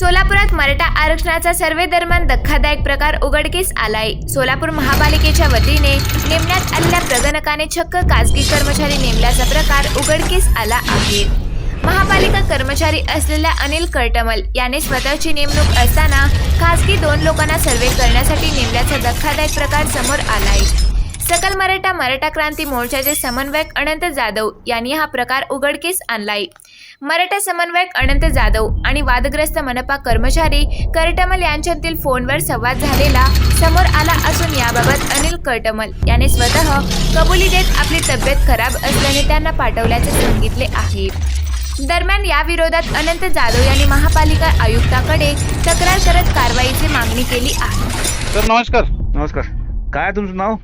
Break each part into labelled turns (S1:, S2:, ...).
S1: सोलापुरात मराठा आरक्षणाचा सर्वे दरम्यान धक्कादायक प्रकार उघडकीस आलाय. सोलापूर महापालिकेच्या वतीने नेमण्यात आलेल्या प्रगणकाने चक्क खासगी कर्मचारी नेमल्याचा प्रकार उघडकीस आला आहे. महापालिका कर्मचारी असलेल्या अनिल कर्टमल याने स्वतःची नेमणूक असताना खासगी 2 लोकांना सर्वे करण्यासाठी नेमल्याचा धक्कादायक प्रकार समोर आलाय. सकल मराठा क्रांती मोर्चाचे समन्वयक अनंत जाधव यांनी हा प्रकार उघडकीस आणलाय. मराठा समन्वयक अनंत जाधव आणि वादग्रस्त मनपा कर्मचारी कर्टमल यांच्यातील फोनवर संवाद झालेला समोर आला असून याबाबत अनिल कर्टमल याने स्वतः कबुली देत आपली तब्येत खराब असल्याने त्यांना पाठवल्याचे सांगितले आहे. दरम्यान या विरोधात अनंत जाधव यांनी महापालिका आयुक्ताकडे तक्रार करत कारवाईची मागणी केली आहे.
S2: सर नमस्कार.
S3: नमस्कार. काय तुमचं नाव?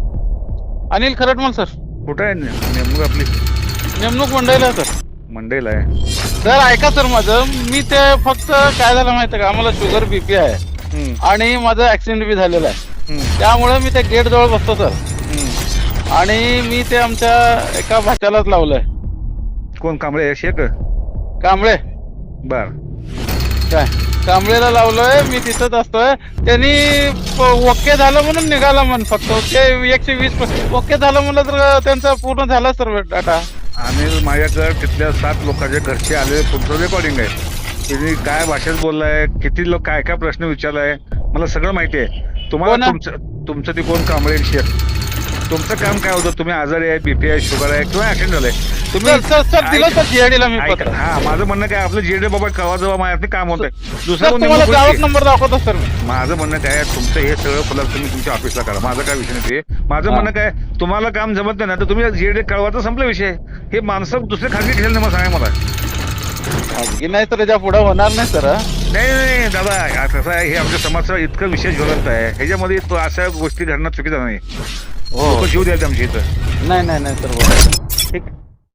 S2: अनिल खरटमल सर.
S3: कुठं आहे नेमणूक आपली?
S2: नेमणूक मंडईला सर.
S3: मंडईला आहे.
S2: सर ऐका सर माझं, मी ते फक्त काय झालं माहिती का, आम्हाला शुगर बीपी आहे आणि माझं ऍक्सिडेंट बी झालेला आहे. त्यामुळे मी त्या गेट जवळ बसतो सर. आणि मी ते आमच्या एका भाच्यालाच लावलंय.
S3: कोण? कांबळे शेख?
S2: कांबळे.
S3: बर.
S2: काय कांबळेला लावलोय, मी तिथंच असतोय. त्यांनी ओके झालं म्हणून निघाला म्हण, फक्त ते 120 ओके झालं म्हणलं तर त्यांचा पूर्ण झाला सर डाटा.
S3: आणि माझ्याकडे तिथल्या 7 लोकांच्या घरचे आले, तुमचं रेकॉर्डिंग आहे. त्यांनी काय भाषेत बोललाय, किती लोक काय काय प्रश्न विचारलाय, मला सगळं माहिती आहे. तुम्हाला तुमचं ते कोण? कांबळे शेख. तुमचं काम काय होतं? तुम्ही आजारी आहे, बीपी आहे, शुगर आहे किंवा ऍक्सिडेंट झालाय तुम्ही
S2: दिलं सर जीआयडीला मी पत्र.
S3: हा, माझं म्हणणं काय, आपलं जीआयडी बाबा कवा जवळ माझ्या काम होतंय.
S2: तुम्हाला गावात नंबर दाखवतो सर.
S3: माझं म्हणणं काय, तुमचं हे सगळं फलक तुम्ही तुमच्या ऑफिसला करा. माझं काय विषय नाही ते. माझं म्हणणं काय, तुम्हाला काम जमत नाही ना तर तुम्ही जीआयडी कळवायचा संपला विषय. हे माणसं दुसरे खाजगी खेळले मला सांगा. मला
S2: खाजगी नाही तर याच्या पुढे होणार नाही सर.
S3: नाही दादा, कसं आहे, हे आमच्या समाजाचा इतकं विशेष ज्वलंत आहे. ह्याच्यामध्ये अशा गोष्टी घडणं चुकीचं नाही. हो, जीव द्यायचं आमच्या इथं.
S2: नाही सर.
S3: ठीक.